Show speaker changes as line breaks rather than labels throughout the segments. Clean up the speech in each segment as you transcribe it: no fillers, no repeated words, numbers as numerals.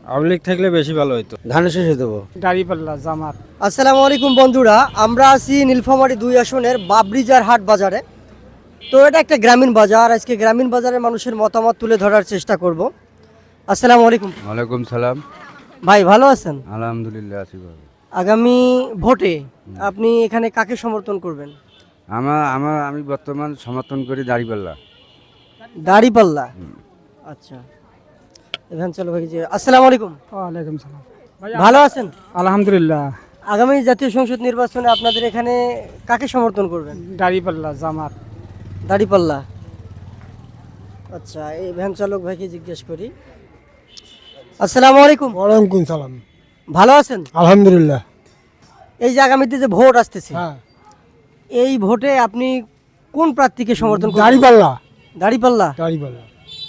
আওয়ামী লীগ থাকলে বেশি ভালো হতো। ধানের শেষে দেবো।
দাঁড়িপাল্লা জামাত।
আসসালামু আলাইকুম বন্ধুরা, আমরা আছি নীলফামারী 2 আসনের বাবরিজার হাট বাজারে। তো এটা একটা গ্রামীণ বাজার। আজকে গ্রামীণ বাজারের মানুষের মতামত তুলে ধরার চেষ্টা করব। আসসালামু আলাইকুম।
ওয়ালাইকুম সালাম।
ভাই ভালো আছেন?
আলহামদুলিল্লাহ আছি ভালো।
আগামী ভোটে আপনি এখানে কাকে সমর্থন করবেন?
আমি বর্তমান সমর্থন করি দাঁড়িপাল্লা।
দাঁড়িপাল্লা। আচ্ছা, এখান চলো ভাই। আসসালামু আলাইকুম।
ওয়ালাইকুম সালাম।
ভালো আছেন?
আলহামদুলিল্লাহ।
আগামী জাতীয় সংসদ নির্বাচনে আপনাদের এখানে কাকে সমর্থন করবেন?
দাঁড়িপাল্লা জামাত।
দাঁড়িপাল্লা। আচ্ছা, এই ভ্যান চালক ভাইকে জিজ্ঞেস করি। আসসালামু আলাইকুম।
ওয়ালাইকুম সালাম।
ভালো আছেন?
আলহামদুলিল্লাহ।
এই যে আগামীতে যে ভোট আসতেছে,
হ্যাঁ,
এই ভোটে আপনি কোন প্রার্থীকে সমর্থন করবেন?
দাঁড়িপাল্লা।
দাঁড়িপাল্লা।
দাঁড়িপাল্লা।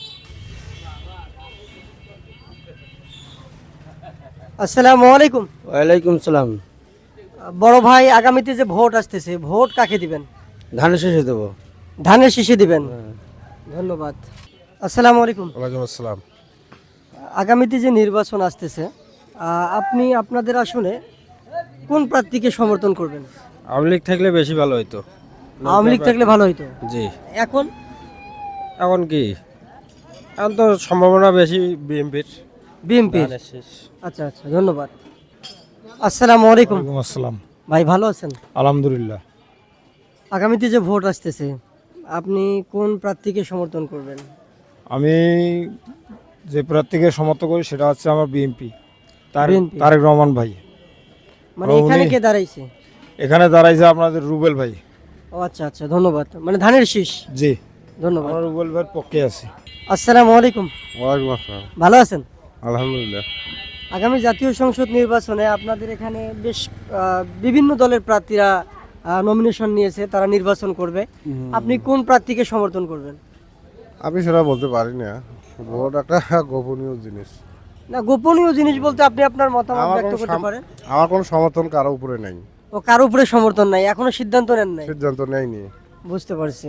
আসসালামু আলাইকুম।
ওয়ালাইকুম সালাম।
বড় ভাই, আগামীতে যে ভোট আসতেছে, ভোট কাকে দিবেন?
ধানের শেষে দেবো।
ধানের শীষে দিবেন। ধন্যবাদ। আসসালামু আলাইকুম।
ওয়ালাইকুম আসসালাম।
আগামীতে যে নির্বাচন আসতেছে, আপনি আপনাদের আসনে কোন প্রার্থীকে সমর্থন করবেন?
আওয়ামী লীগ থাকলে বেশি ভালো হতো।
আওয়ামী লীগ থাকলে ভালো হতো।
জি।
এখন
এখন কি, এখন তো সম্ভাবনা বেশি বিএনপির।
বিএনপি। আচ্ছা আচ্ছা, ধন্যবাদ। আসসালামু আলাইকুম।
ওয়ালাইকুম আসসালাম।
ভাই ভালো আছেন?
আলহামদুলিল্লাহ।
আগামীতে যে ভোট আসতেছে, আপনি কোন প্রার্থীকে সমর্থন করবেন?
আমি যে প্রার্থীকে সমর্থন করি সেটা হচ্ছে আমার বিএনপি,
BNP
তারেক রহমান ভাই।
মানে এখানে কে দাঁড়াইছে?
এখানে দাঁড়াইছে আপনাদের রুবেল ভাই।
ও আচ্ছা আচ্ছা, ধন্যবাদ। মানে ধানের শীষ।
জি,
ধন্যবাদ।
আমরা রুবেল ভাইয়ের পক্ষে আছি।
আসসালামু আলাইকুম।
ওয়ালাইকুম আসসালাম।
ভালো আছেন?
আলহামদুলিল্লাহ।
আগামী জাতীয় সংসদ নির্বাচনে আপনাদের এখানে বেশ বিভিন্ন দলের প্রার্থীরা নমিনেশন নিয়েছে, তারা নির্বাচন করবে। আপনি কোন প্রার্থীকে সমর্থন করবেন?
আমি সেটা বলতে পারি না, ভোট একটা গোপনীয় জিনিস।
না, গোপনীয় জিনিস বলতে আপনি আপনার মতামত
আমার
ব্যক্ত
কোনো
করতে পারেন।
আমার কোনো সমর্থন কারো উপরে নেই,
ও কারো উপরে সমর্থন নাই, এখনো সিদ্ধান্ত নেন নাই।
সিদ্ধান্ত নেয়নি।
বুঝতে পারছি।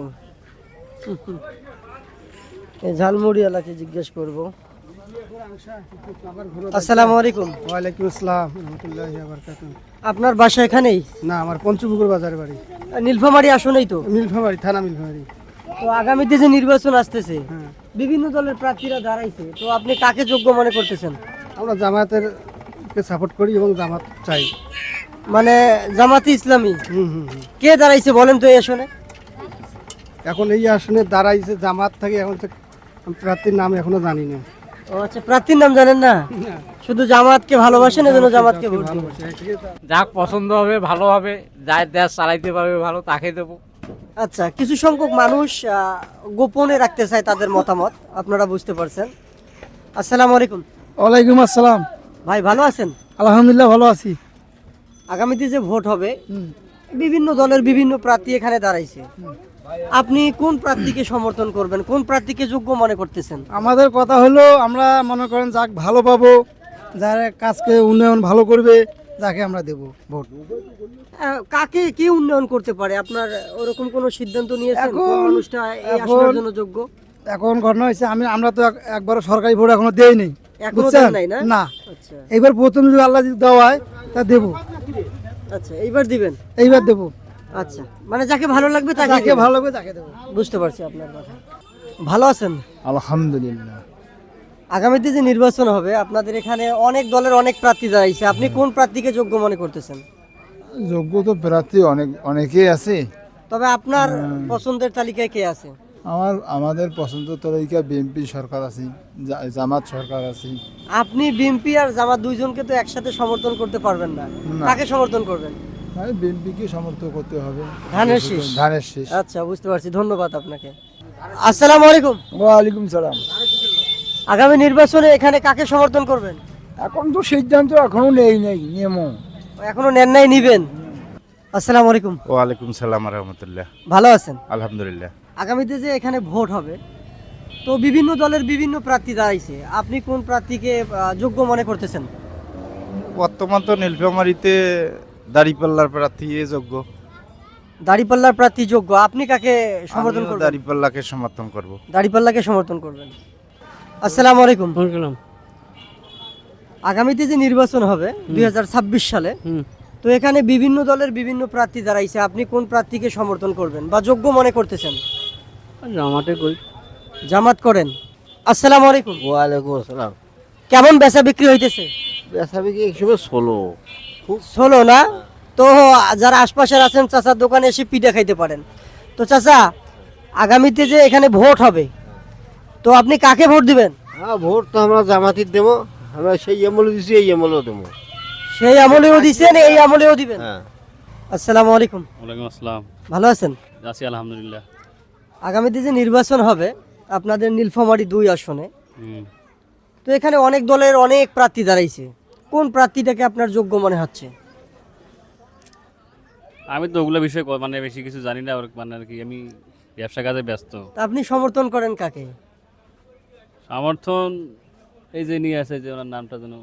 এই ঝালমুড়ি এলাকায় জিজ্ঞেস করব। আসসালামু আলাইকুম।
ওয়ালাইকুম আসসালাম রহমতুল্লাহি ওয়া বারাকাতুহু।
আপনার বাসা এখানেই?
না, আমার পঞ্চপুকুর বাজার বাড়ি।
নীলফামারী আসনেই তো?
মিলফামারি থানা মিলফামারি।
তো আগামীতে যে নির্বাচন আসতেছে,
হ্যাঁ,
বিভিন্ন দলের প্রার্থীরা দাঁড়াইছে, তো আপনি কাকে যোগ্য মনে করতেছেন?
আমরা জামাতের কে সাপোর্ট করি এবং জামাত চাই।
মানে জামাতে ইসলামী।
হুম হুম হুম।
কে দাঁড়াইছে বলেন তো এই আসনে?
এখন এই আসনে দাঁড়াইছে জামাত থেকে, এখন তো প্রার্থীর নাম এখনো জানি না।
ও আচ্ছা, প্রার্থীর নাম জানেন না? শুধু জামাতকে ভালোবাসেন, এজন্য জামাতকে ভোট দিবেন।
যাক পছন্দ হবে, ভালো হবে, যার দেশ চালাইতে পারবে ভালো, তাকে দেবো।
আচ্ছা, কিছু সংখ্যক মানুষ গোপনে রাখতে চায় তাদের মতামত, আপনারা বুঝতে পারছেন। আসসালামু আলাইকুম।
ওয়ালাইকুম আসসালাম।
ভাই ভালো আছেন?
আলহামদুলিল্লাহ ভালো আছি।
আগামীতে যে ভোট হবে, বিভিন্ন দলের বিভিন্ন প্রার্থী এখানে দাঁড়াইছে। আপনি কোন প্রার্থীকে সমর্থন করবেন? কোন প্রার্থীকে যোগ্য মনে করতেছেন?
আমাদের কথা হলো, আমরা মনে করেন যাক ভালো পাবো, যারা কাজকে উন্নয়ন ভালো করবে, যাকে আমরা দেব ভোট।
কাকে কি উন্নয়ন করতে পারে? আপনার ওরকম কোনো সিদ্ধান্ত নিয়েছেন কোন
এখন-
মানুষটা এই
এখন-
আসনের জন্য যোগ্য?
এখন ঘটনা হয়েছে, আমরা তো একবার সরকারি ভোট এখনো দেই নেই,
এখনো
বুঝছেন?
দেন নাই না?
না,
আচ্ছা
এইবার প্রথম যদি আল্লাহ যদি দেওয়া হয় তা দেবো,
আচ্ছা, এইবার দিবেন।
এইবার দেবো।
আচ্ছা, মানে যাকে ভালো লাগবে তাকে
যাকে
দিবেন।
ভালো লাগবে তাকে দেবো।
বুঝতে পারছি আপনার কথা। ভালো আছেন?
আলহামদুলিল্লাহ।
আগামীতে যে নির্বাচন হবে, আপনাদের এখানে অনেক দলের অনেক প্রার্থী দাঁড়াইছে, আপনি কোন প্রার্থীকে যোগ্য মনে করতেছেন?
যোগ্য তো প্রার্থী অনেকেই আছে।
তবে আপনার পছন্দের তালিকায় কে আছে?
আমাদের পছন্দ তালিকা বিএনপি সরকার আছে, জামাত সরকার আছে।
আপনি বিএনপি আর জামাত দুইজনকে তো একসাথে সমর্থন করতে পারবেন না।
না।
কাকে সমর্থন করবেন?
মানে বিএনপিকে সমর্থন করতে হবে।
ধানের শীষ।
ধানের শীষ।
আচ্ছা, বুঝতে পারছি, ধন্যবাদ আপনাকে। আসসালামু আলাইকুম।
ওয়ালাইকুম সালাম।
আগামী নির্বাচনে এখানে কাকে সমর্থন করবেন?
এখন তো সিদ্ধান্ত এখনো নেই নিয়মও।
এখনো নেন নাই, নিবেন। আসসালামু আলাইকুম।
ওয়ালাইকুম সালাম রহমতুল্লাহ।
ভালো আছেন?
আলহামদুলিল্লাহ।
আগামীতে যে এখানে ভোট হবে, তো বিভিন্ন দলের বিভিন্ন প্রার্থী দাঁড়াইছে, আপনি কোন প্রার্থীকে যোগ্য মনে করতেছেন?
বর্তমান তো নীলফামারীতে দাঁড়িপাল্লার প্রার্থী যোগ্য।
দাঁড়িপাল্লার প্রার্থী যোগ্য, আপনি কাকে সমর্থন করবেন?
দাঁড়িপাল্লাকে সমর্থন করব।
দাঁড়িপাল্লাকে সমর্থন করবেন। আসসালামু আলাইকুম। আগামীতে যে নির্বাচন হবে 2026 সালে, তো এখানে বিভিন্ন দলের বিভিন্ন প্রার্থী দাঁড়াইছে, আপনি কোন প্রার্থীকে সমর্থন করবেন বা যোগ্য মনে করতেছেন?
জামাতে কই
জামাত করেন। আসসালামু আলাইকুম।
ওয়ালাইকুম আসসালাম।
কেমন বেচা বিক্রি হইতেছে?
বেচা বিক্রি একসময় ষোলো।
ষোলো না? তো যারা আশপাশের আছেন চাচার দোকানে এসে পিঠা খাইতে পারেন। তো চাচা, আগামীতে যে এখানে ভোট হবে, তো আপনি কাকে ভোট দিবেন?
হ্যাঁ, ভোট তো আমরা জামাতির দেবো, আমরা সেই আমলে দিচ্ছি, এই আমলেও দেবো।
সেই আমলেও দিছেন, এই আমলেও দিবেন?
হ্যাঁ।
আসসালামু আলাইকুম।
ওয়ালাইকুম আসসালাম।
ভালো আছেন?
আছি আলহামদুলিল্লাহ।
আগামীতে যে নির্বাচন হবে আপনাদের নীলফামারী 2 আসনে, তো এখানে অনেক দলের অনেক প্রার্থী দাঁড়াইছে, কোন প্রার্থীটাকে আপনার যোগ্য মনে হচ্ছে?
আমি তো ওগুলো বিষয়ে মানে বেশি কিছু জানি না, মানে আর কি আমি ব্যবসা কাজে ব্যস্ত।
তা আপনি সমর্থন করেন কাকে?
সমর্থন এই যে নিয়ে আছে, যে ওনার নামটা যেন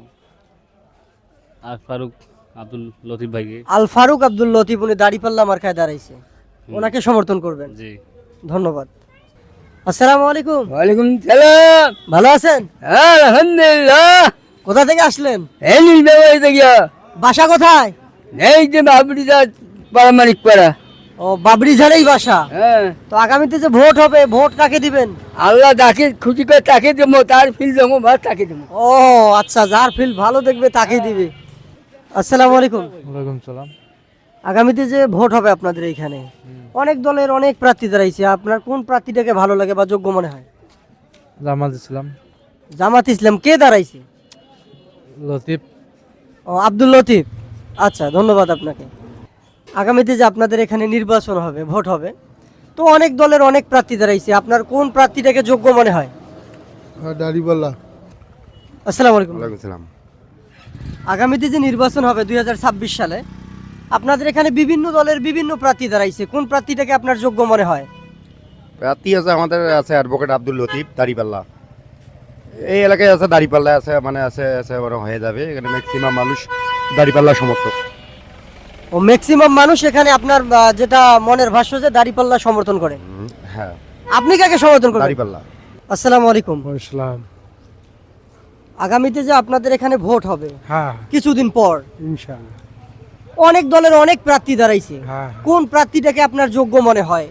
আর ফারুক আব্দুল লতিফ ভাইকে।
আল ফারুক আব্দুল লতিফ, উনি দাড়িপাল্লা মার্কায় দাঁড়াইছে, ওনাকে সমর্থন করবেন?
জি।
ধন্যবাদ। আসসালামু আলাইকুম।
ওয়ালাইকুম সালাম।
ভালো আছেন?
আলহামদুলিল্লাহ।
কোথা থেকে আসলেন?
এই নির্বাচন থেকে
বাসা কোথায়?
এই যে বাবরিজার পারামানিক পাড়া।
ও, বাবরি ঝাড়েই বাসা।
হ্যাঁ,
তো আগামীতে যে ভোট হবে, ভোট কাকে দিবেন?
আল্লাহ যাকে খুশি করে তাকে দেবো, তার ফিল দেবো বা তাকে দেবো।
ও আচ্ছা, যার ফিল ভালো দেখবে তাকে দিবে। আসসালামু আলাইকুম।
ওয়ালাইকুম সালাম।
আগামীতে যে ভোট হবে আপনাদের এইখানে, অনেক দলের অনেক প্রার্থী দাঁড়াইছে, আপনার কোন প্রার্থীটাকে ভালো লাগে বা যোগ্য মনে হয়?
জামাত ইসলাম।
জামাত ইসলাম। কে দাঁড়াইছে?
লতিফ।
ও, আব্দুল লতিফ। আচ্ছা, ধন্যবাদ আপনাকে। আগামীতে যে আপনাদের এখানে নির্বাচন হবে, ভোট হবে, তো অনেক দলের অনেক প্রার্থী দাঁড়াইছে, আপনার কোন প্রার্থীটাকে যোগ্য মনে হয়?
দাড়িপাল্লা।
আসসালামু আলাইকুম।
ওয়ালাইকুম সালাম।
আগামীতে যে নির্বাচন হবে 2026 সালে, আপনাদের এখানে বিভিন্ন দলের বিভিন্ন প্রার্থী দাঁড়াইছে, কোন প্রার্থীটাকে আপনার যোগ্য মনে হয়?
প্রার্থী আছে আমাদের, আছে অ্যাডভোকেট আব্দুল লতিফ দাড়িপাল্লা। এই এলাকায় আছে দাড়িপাল্লা, আছে মানে আছে আছে মানে হয়ে যাবে। এখানে ম্যাক্সিমাম মানুষ দাড়িপাল্লা সমর্থক।
ও, ম্যাক্সিমাম মানুষ এখানে আপনার যেটা মনের ভাষ্য যে দাড়িপাল্লা সমর্থন করে।
হ্যাঁ,
আপনি কাকে সমর্থন করেন?
দাড়িপাল্লা।
আসসালামু আলাইকুম।
ইসলাম।
আগামীতে যে আপনাদের এখানে ভোট হবে
হ্যাঁ,
কিছুদিন পর,
ইনশাআল্লাহ।
অনেক দলের অনেক প্রার্থী দাঁড়াইছে,
হ্যাঁ,
কোন প্রার্থীটাকে আপনার যোগ্য মনে হয়?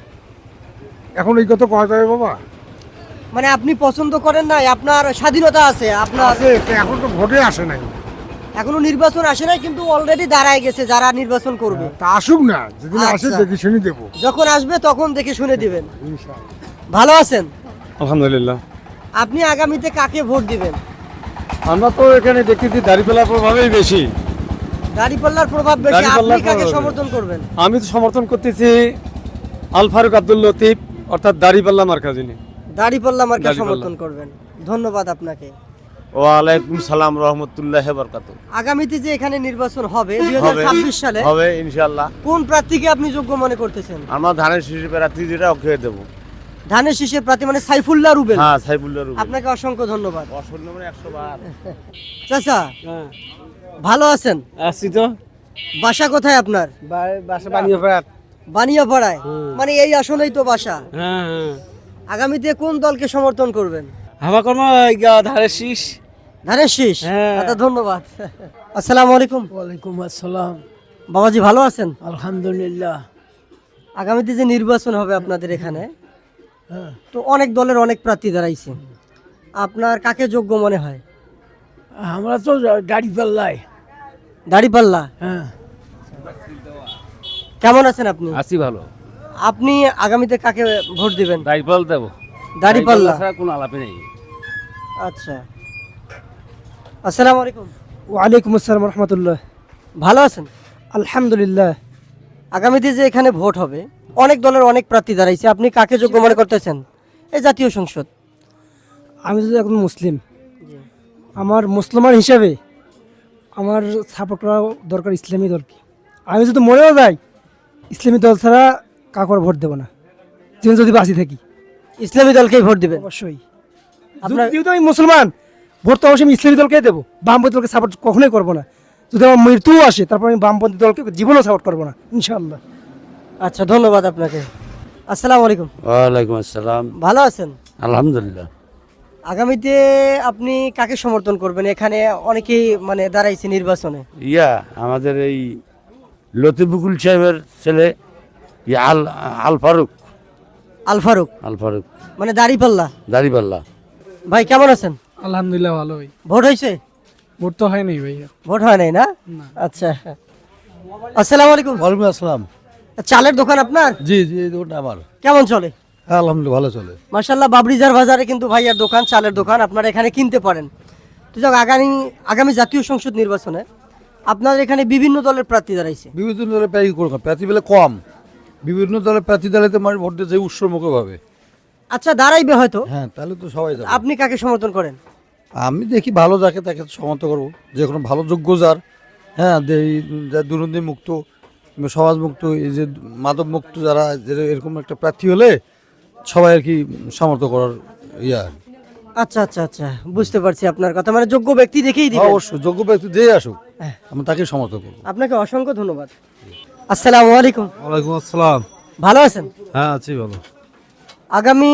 এখন এই কথা কওয়া যাবে বাবা?
মানে আপনি পছন্দ করেন না, আপনার স্বাধীনতা আছে, আপনার
এখন তো ভোটে আসে নাই।
এখনো নির্বাচন আসে নাই, কিন্তু অলরেডি দাঁড়ায় গেছে যারা নির্বাচন করবে।
তা আসুক না, যেদিন আসে
আচ্ছা।
দেখে শুনে দেবো।
যখন আসবে তখন দেখে শুনে দিবেন।
ইনশাআল্লাহ।
ভালো আছেন?
আলহামদুলিল্লাহ।
আপনি আগামীতে কাকে ভোট দিবেন?
আমরা তো এখানে দেখতেছি দাড়িপাল্লার প্রভাবই বেশি।
দাড়িপাল্লার প্রভাব বেশি,
দাড়িপাল্লার
আপনি কাকে
প্রভাব।
সমর্থন করবেন?
আমি তো সমর্থন করতেছি আল ফারুক আব্দুল লতিফ, অর্থাৎ দাড়িপাল্লা মার্কা যিনি।
দাড়িপাল্লা মার্কা
দাড়িপাল্লা।
সমর্থন করবেন। ধন্যবাদ আপনাকে।
ওয়ালাইকুম সালাম রহমতুল্লাহ বরকাত।
আগামীতে যে এখানে নির্বাচন হবে 2026 সালে,
হবে ইনশাল্লাহ।
কোন প্রার্থীকে আপনি যোগ্য মনে করতেছেন?
আমরা ধানের শিশু প্রার্থী যেটা ওকে দেবো।
ধানের শীষের প্রার্থী মানে সাইফুল্লাহ রুবেল।
হ্যাঁ, সাইফুল্লাহ রুবেল।
আপনাকে অসংখ্য ধন্যবাদ।
অসংখ্য মানে 100 বার।
চাচা, ভালো আছেন?
আসছি তো।
বাসা কোথায় আপনার?
বাসা বানিয়ে ফেরাত।
বানিয়াপাড়ায়। মানে এই আসলেই তো বাসা।
হ্যাঁ হ্যাঁ।
আগামীতে কোন দলকে সমর্থন করবেন?
হামা কর্ম ধারের শীষ।
ধানের শীষ।
হ্যাঁ।
আচ্ছা, ধন্যবাদ। আসসালামু আলাইকুম।
ওয়ালাইকুম আসসালাম।
বাবাজি, ভালো আছেন?
আলহামদুলিল্লাহ।
আগামীতে যে নির্বাচন হবে আপনাদের এখানে, তো অনেক দলের অনেক প্রার্থী দাঁড়াইছে, আপনার কাকে যোগ্য মনে হয়?
আমরা তো দাড়ি পাল্লাই।
দাড়িপাল্লা।
হ্যাঁ,
কেমন আছেন আপনি?
আছি ভালো।
আপনি আগামীতে কাকে ভোট দিবেন?
দাইপাল দেবো।
দাড়িপাল্লা।
ছাড়া কোনো আলাপই নেই।
আচ্ছা, আসসালামু আলাইকুম।
ওয়ালাইকুম আসসালাম রহমতুল্লাহ।
ভালো আছেন?
আলহামদুলিল্লাহ।
আগামীতে যে এখানে ভোট হবে, অনেক দলের অনেক প্রার্থী দাঁড়াইছে, আপনি কাকে যোগ্য মনে করতেছেন? এই জাতীয় সংসদ।
আমি যদি এখন মুসলিম, আমার মুসলমান হিসাবে আমার সাপোর্ট করা দরকার ইসলামী দলকে। আমি যদি মরেও যাই, ইসলামী দল ছাড়া কাকর ভোট দেবো না, জীবন যদি বাঁচি থাকি।
ইসলামী দলকেই ভোট দিবেন?
অবশ্যই।
আপনার
যেহেতু আমি মুসলমান, ভোট তো অবশ্যই আমি ইসলামী দলকেই দেবো, বামপন্থী দলকে সাপোর্ট কখনোই করবো না। যদি আমার মৃত্যুও আসে, তারপর আমি বামপন্থী দলকে জীবনও সাপোর্ট করবো না, ইনশাআল্লাহ।
আচ্ছা, ধন্যবাদ আপনাকে। আসসালামু আলাইকুম।
ওয়ালাইকুম আসসালাম।
ভালো আছেন?
আলহামদুলিল্লাহ।
আগামীতে আপনি কাকে সমর্থন করবেন? এখানে অনেকেই মানে দাঁড়াইছে নির্বাচনে।
আমাদের এই লতিফুকুল সাহেবের ছেলে আল ফারুক।
আল ফারুক মানে দাঁড়িপাল্লা।
দাড়িপাল্লা।
ভাই কেমন আছেন?
আলহামদুলিল্লাহ ভালো ভাই।
ভোট হয়েছে?
ভোট তো হয়নি ভাইয়া।
ভোট হয় নাই না? আচ্ছা, আসসালামু আলাইকুম।
ওয়ালাইকুম আসসালাম।
চালের দোকান আপনার?
জি জি, এই দোকানটা আমার।
কেমন চলে?
হ্যাঁ আলহামদুলিল্লাহ ভালো চলে।
মাশাআল্লাহ, বাবরিজার বাজারে কিন্তু ভাইয়ার দোকান, চালের দোকান, আপনারা এখানে কিনতে পারেন। তো যাক, আগামী জাতীয় সংসদ নির্বাচনে আপনাদের এখানে বিভিন্ন দলের প্রার্থী দাঁড়াইছে।
বিভিন্ন দলের প্রার্থী বেলা কম, বিভিন্ন দলের প্রার্থী দাঁড়াইতে মানুষ ভোট দিতে উৎসমুখভাবে।
আচ্ছা, দাঁড়াইবে হয়তো।
হ্যাঁ, তাহলে তো সবাই যাবে।
আপনি কাকে সমর্থন করেন?
আমি দেখি ভালো যাকে তাকে সমর্থন করবো, যে কোনো ভালো যোগ্য যার, হ্যাঁ, যা দুর্নীতি মুক্ত, সমাজ মুক্ত, এই যে মাদক মুক্ত যারা, যে এরকম একটা প্রার্থী হলে সবাই আর কি সমর্থন করার ইয়া।
আচ্ছা আচ্ছা আচ্ছা, বুঝতে পারছি আপনার কথা। মানে যোগ্য ব্যক্তি দেখেই দিবেন।
অবশ্যই যোগ্য ব্যক্তি দিয়ে আসুক, আমি তাকে সমর্থন করবো।
আপনাকে অসংখ্য ধন্যবাদ। আসসালামু আলাইকুম।
ওয়ালাইকুম আসসালাম।
ভালো আছেন?
হ্যাঁ আছি ভালো।
আগামী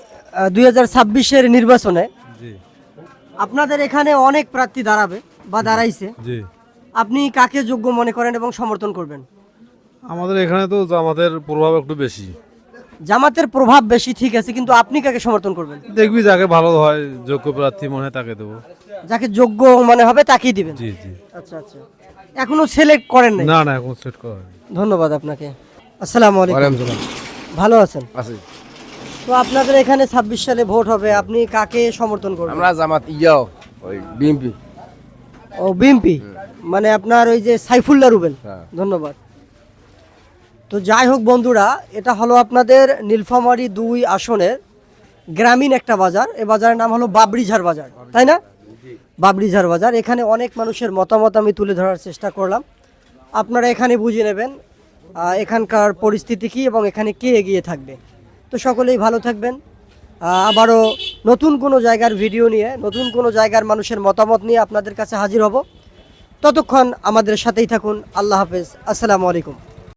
2026-এর নির্বাচনে আপনাদের এখানে অনেক প্রার্থী দাঁড়াবে বা দাঁড়াইছে।
জি,
আপনি কাকে যোগ্য মনে করেন এবং সমর্থন করবেন?
আমাদের এখানে তো আমাদের প্রভাব একটু বেশি।
জামাতের প্রভাব বেশি, ঠিক আছে, কিন্তু আপনি কাকে সমর্থন করবেন?
দেখবি যাকে ভালো হয়, যোগ্য প্রার্থী মনে হয় তাকে দেবো।
যাকে যোগ্য মনে হবে তাকেই দিবেন।
জি জি।
আচ্ছা আচ্ছা, এখনো সিলেক্ট করেন নাই?
না না, এখন সেট করা হয়নি।
ধন্যবাদ আপনাকে। আসসালামু আলাইকুম। ভালো আছেন? তো আপনাদের এখানে 26 সালে ভোট হবে, আপনি কাকে সমর্থন করবেন?
আমরা জামাত ওই বিএনপি।
ও, বিএনপি, মানে আপনার ওই যে সাইফুল্লাহ রুবেল। ধন্যবাদ। তো যাই হোক বন্ধুরা, এটা হলো আপনাদের নীলফামারী 2 আসনের গ্রামীণ একটা বাজার। এই বাজারের নাম হলো বাবরিঝার বাজার, তাই না? বাবরিঝার বাজার। এখানে অনেক মানুষের মতামত আমি তুলে ধরার চেষ্টা করলাম, আপনারা এখানে বুঝে নেবেন এখানকার পরিস্থিতি কী এবং এখানে কে এগিয়ে থাকবে। তো সকলেই ভালো থাকবেন। আবারও নতুন কোনো জায়গার ভিডিও নিয়ে, নতুন কোনো জায়গার মানুষের মতামত নিয়ে আপনাদের কাছে হাজির হব। ততক্ষণ আমাদের সাথেই থাকুন। আল্লাহ হাফেজ। আসসালামু আলাইকুম।